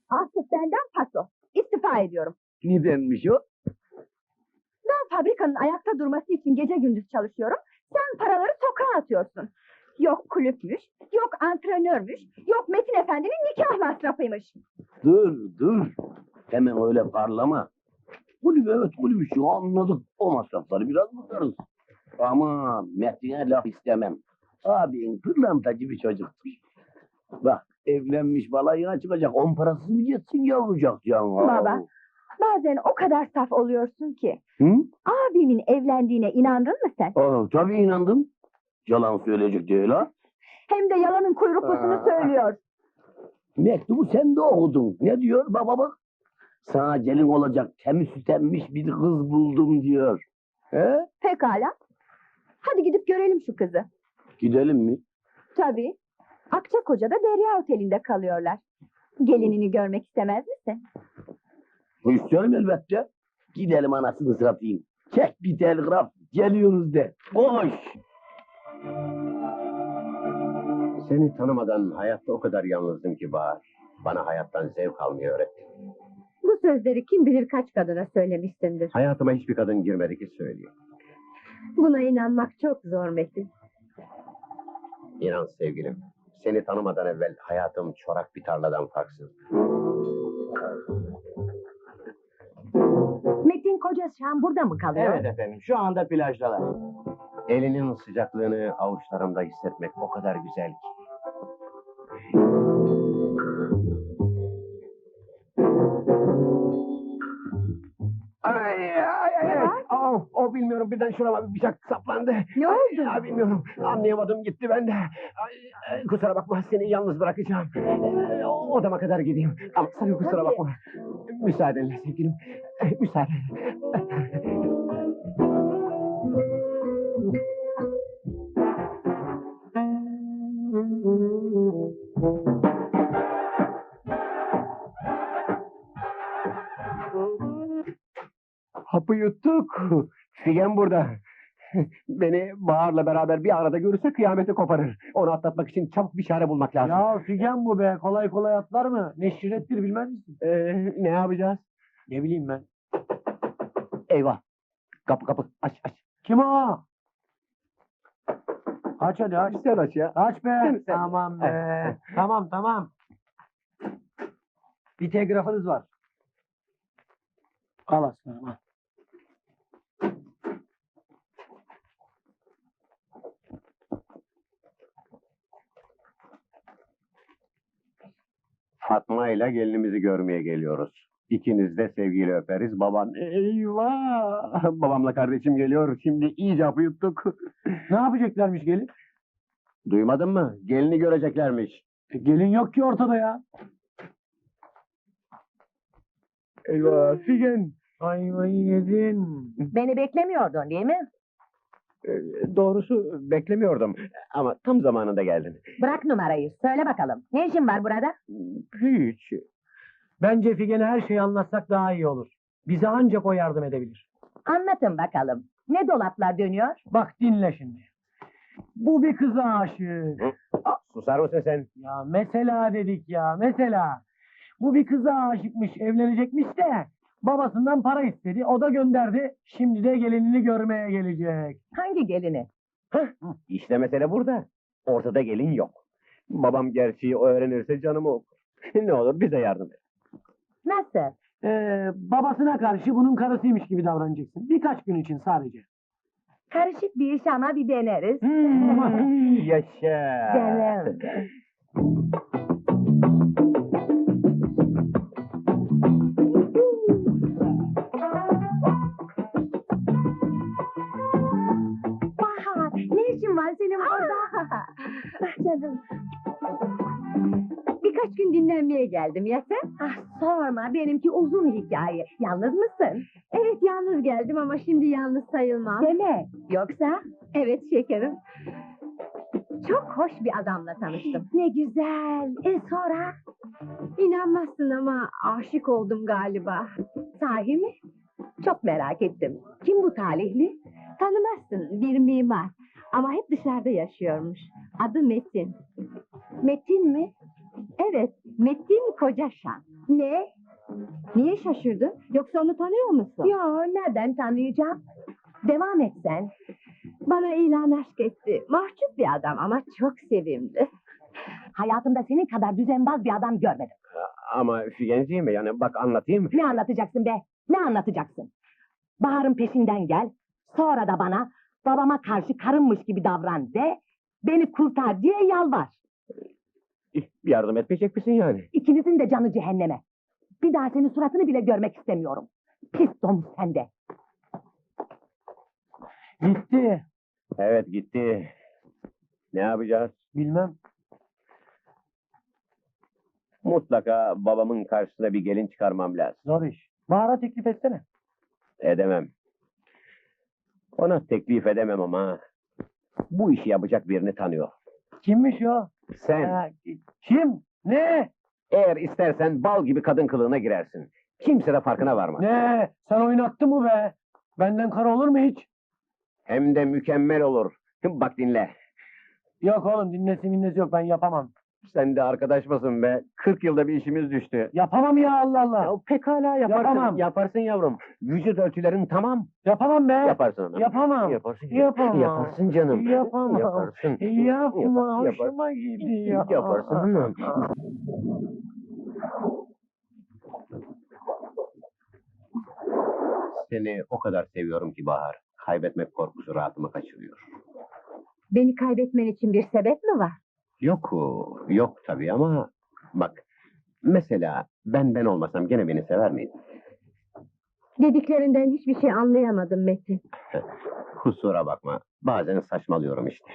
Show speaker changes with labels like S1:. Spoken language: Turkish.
S1: Artık benden paso. İstifa ediyorum.
S2: Nedenmiş o?
S1: Ben fabrikanın ayakta durması için gece gündüz çalışıyorum. Sen paraları sokağa atıyorsun. Yok kulüpmüş, yok antrenörmüş, yok Metin Efendi'nin nikah masrafıymış.
S2: Dur. Hemen öyle parlama. Kulüp evet kulüp şu anladık. O masrafları biraz bakarız. Ama Metin'e laf istemem. Abin pırlantacı bir çocuktur. Bak evlenmiş balayına çıkacak. 10 parasız mı geçsin yavrucak can?
S1: Baba, bazen o kadar saf oluyorsun ki.
S2: Hı?
S1: Abimin evlendiğine inandın mı sen?
S2: Tabii inandım. Yalan söyleyecek değil ha.
S1: Hem de yalanın kuyruklısını söylüyor.
S2: Mektubu sen de okudun. Ne diyor baba bak. Sana gelin olacak temiz sütenmiş bir kız buldum diyor. He?
S1: Pekala. Hadi gidip görelim şu kızı.
S2: Gidelim mi?
S1: Tabii. Akçakoca'da Derya Oteli'nde kalıyorlar. Gelinini görmek istemez misin?
S2: İsterim elbette. Gidelim anasını satayım. Çek bir telgraf. Geliyoruz de. Koş.
S3: Seni tanımadan hayatta o kadar yalnızdım ki Bahar. Bana hayattan zevk almayı öğrettin.
S1: Bu sözleri kim bilir kaç kadına söylemişsindir.
S3: Hayatıma hiçbir kadın girmedi ki söyleyeyim.
S1: Buna inanmak çok zor Metin.
S3: İnan sevgilim, seni tanımadan evvel hayatım çorak bir tarladan farksız.
S1: Metin kocası şu an burada mı kalıyor?
S3: Evet efendim, şu anda plajdalar. Elinin sıcaklığını avuçlarımda hissetmek o kadar güzel ki. Ay. O bilmiyorum birden şurama bir bıçak saplandı.
S1: Ne oldu?
S3: Ya bilmiyorum anlayamadım gitti ben de. Kusura bakma seni yalnız bırakacağım. Odama kadar gideyim. Ama sakın kusura bakma. Müsaadenle sevgilim. Müsaadenle. Hapı yuttuk. Figen burada. Beni Bahar'la beraber bir arada görürse kıyameti koparır. Onu atlatmak için çabuk bir çare bulmak lazım.
S4: Ya Figen bu be. Kolay kolay atlar mı? Ne şirrettir bilmez misin?
S3: Ne yapacağız?
S4: Ne bileyim ben.
S3: Eyvah. Kapı aç.
S4: Kim o? Aç hadi aç.
S3: Sen aç ya.
S4: Aç be.
S3: Sen.
S4: Tamam be. Tamam. Bir telgrafınız var. Al aslanım al.
S3: Fatma ile gelinimizi görmeye geliyoruz. İkiniz de sevgiyle öperiz. Baban eyvah. Babamla kardeşim geliyor. Şimdi iyice hapı yuttuk.
S4: Ne yapacaklarmış gelin?
S3: Duymadın mı? Gelini göreceklermiş.
S4: Gelin yok ki ortada ya.
S3: Eyvah Figen.
S4: Ayvayı yedin.
S1: Beni beklemiyordun değil mi?
S3: Doğrusu beklemiyordum. Ama tam zamanında geldin.
S1: Bırak numarayı. Söyle bakalım. Ne işin var burada?
S3: Hiç.
S4: Bence Figen'e her şeyi anlatsak daha iyi olur. Bize ancak o yardım edebilir.
S1: Anlatın bakalım. Ne dolaplar dönüyor?
S4: Bak dinle şimdi. Bu bir kıza aşık.
S3: Susar mısın sen?
S4: Ya mesela dedik ya mesela. Bu bir kıza aşıkmış, evlenecekmiş de babasından para istedi. O da gönderdi. Şimdi de gelinini görmeye gelecek.
S1: Hangi gelini?
S3: İşte mesele burada. Ortada gelin yok. Babam gerçeği öğrenirse canımı okur. Ne olur bize yardım et.
S1: Nasıl?
S4: Babasına karşı bunun karısıymış gibi davranacaksın. Birkaç gün için sadece.
S1: Karışık bir iş ama bir deneriz.
S3: Yaşa.
S1: Canım. Bahar, ne işin var senin burada? Canım. Birkaç gün dinlenmeye geldim ya sen? Ah sorma, benimki uzun hikaye. Yalnız mısın? Evet, yalnız geldim ama şimdi yalnız sayılmam. Deme. Yoksa? Evet şekerim. Çok hoş bir adamla tanıştım. Ne güzel. Sonra? İnanmazsın ama aşık oldum galiba. Sahi mi? Çok merak ettim. Kim bu talihli? Tanımazsın, bir mimar. Ama hep dışarıda yaşıyormuş. Adı Metin. Metin mi? Evet, Metin Kocaşan. Ne? Niye şaşırdın? Yoksa onu tanıyor musun? Yo, nereden tanıyacağım? Devam et sen. Bana ilan aşk etti. Mahcup bir adam ama çok sevimli. Hayatımda senin kadar düzenbaz bir adam görmedim.
S3: Ama Figenciğim yani bak anlatayım.
S1: Ne anlatacaksın be? Ne anlatacaksın? Bahar'ın peşinden gel. Sonra da bana babama karşı karınmış gibi davran de. Beni kurtar diye yalvar.
S3: Yardım etmeyecek misin yani?
S1: İkinizin de canı cehenneme. Bir daha senin suratını bile görmek istemiyorum. Pis domuz sende.
S4: Gitti.
S3: Evet gitti. Ne yapacağız?
S4: Bilmem.
S3: Mutlaka babamın karşısına bir gelin çıkarmam lazım.
S4: Zor iş. Bahar'a teklif etsene.
S3: Edemem. Ona teklif edemem ama bu işi yapacak birini tanıyor.
S4: Kimmiş o?
S3: Sen
S4: Kim? Ne?
S3: eğer istersen bal gibi kadın kılığına girersin. Kimse de farkına varmaz.
S4: Ne? Sen oynattın mı be? Benden kara olur mu hiç?
S3: Hem de mükemmel olur. Bak dinle.
S4: Yok oğlum, dinlesi minnesi yok, ben yapamam.
S3: Sen de arkadaş mısın be? 40 yılda bir işimiz düştü.
S4: Yapamam ya, Allah Allah.
S3: Ya pekala yaparsın.
S4: Yapamam.
S3: Yaparsın yavrum. Vücut ölçülerin tamam.
S4: Yapamam be.
S3: Yaparsın hanım.
S4: Yapamam.
S3: Yaparsın.
S4: Yapamam.
S3: Yaparsın canım.
S4: Yapamam.
S3: Yaparsın.
S4: Yapma,
S3: Yaparsın.
S4: hoşuma gidiyor.
S3: Yaparsın hanım. Seni o kadar seviyorum ki Bahar. Kaybetmek korkusu rahatımı kaçırıyor.
S1: Beni kaybetmen için bir sebep mi var?
S3: Yok, yok tabii ama bak mesela ben olmasam gene beni sever miydin?
S1: Dediklerinden hiçbir şey anlayamadım Metin.
S3: Kusura bakma. Bazen saçmalıyorum işte.